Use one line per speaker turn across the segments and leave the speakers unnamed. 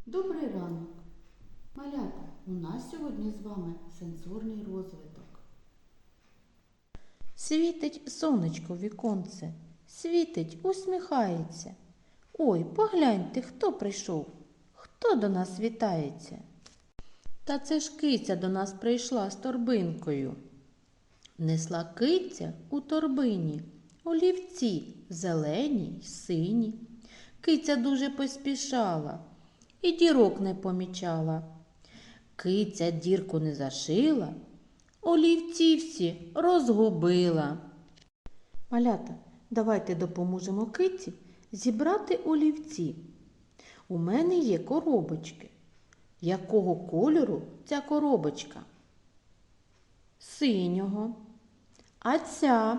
Добрий ранок! Малята, у нас сьогодні з вами сенсорний розвиток.
Світить сонечко в віконце, світить, усміхається. Ой, погляньте, хто прийшов, хто до нас вітається. Та це ж киця до нас прийшла з торбинкою. Несла киця у торбині олівці зелені й сині. Киця дуже поспішала і дірок не помічала. Киця дірку не зашила, олівці всі розгубила. Малята, давайте допоможемо киці зібрати олівці. У мене є коробочки. Якого кольору ця коробочка? Синього. А ця?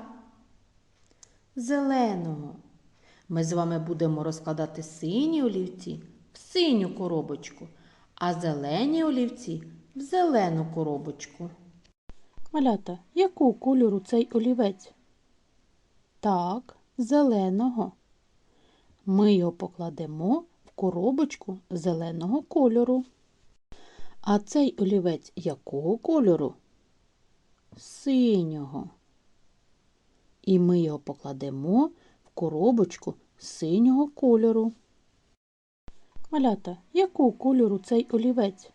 Зеленого. Ми з вами будемо розкладати сині олівці в синю коробочку, а зелені олівці в зелену коробочку. Малята, якого кольору цей олівець? Так, зеленого. Ми його покладемо в коробочку зеленого кольору. А цей олівець якого кольору? Синього. І ми його покладемо в коробочку синього кольору. Малята, якого кольору цей олівець?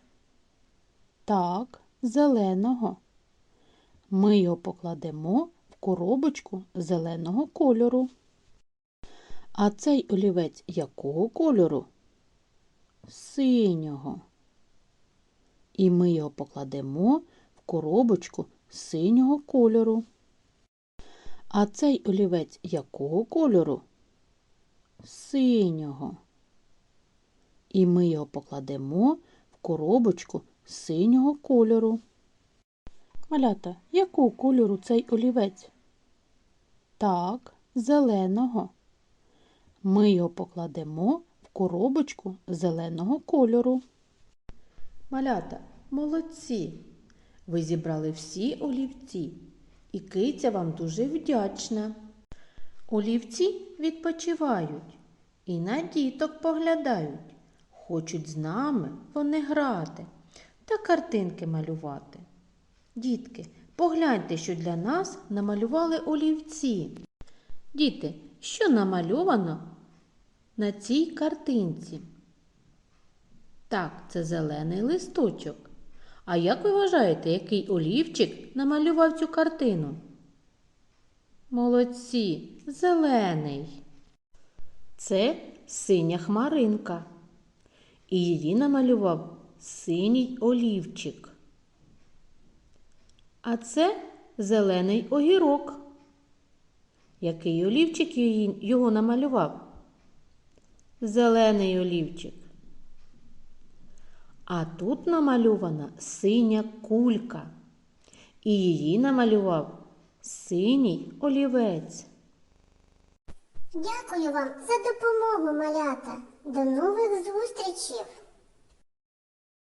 Так, зеленого. Ми його покладемо в коробочку зеленого кольору. А цей олівець якого кольору? Синього. І ми його покладемо в коробочку синього кольору. А цей олівець якого кольору? Синього. І ми його покладемо в коробочку синього кольору. Малята, якого кольору цей олівець? Так, зеленого. Ми його покладемо в коробочку зеленого кольору. Малята, молодці! Ви зібрали всі олівці, і киця вам дуже вдячна. Олівці відпочивають і на діток поглядають. Хочуть з нами вони грати та картинки малювати. Дітки, погляньте, що для нас намалювали олівці. Діти, що намальовано на цій картинці? Так, це зелений листочок. А як ви вважаєте, який олівчик намалював цю картину? Молодці, зелений. Це синя хмаринка. І її намалював синій олівчик. А це зелений огірок. Який олівчик його намалював? Зелений олівчик. А тут намальована синя кулька. І її намалював синій олівець.
Дякую вам за допомогу, малята. До нових зустрічей!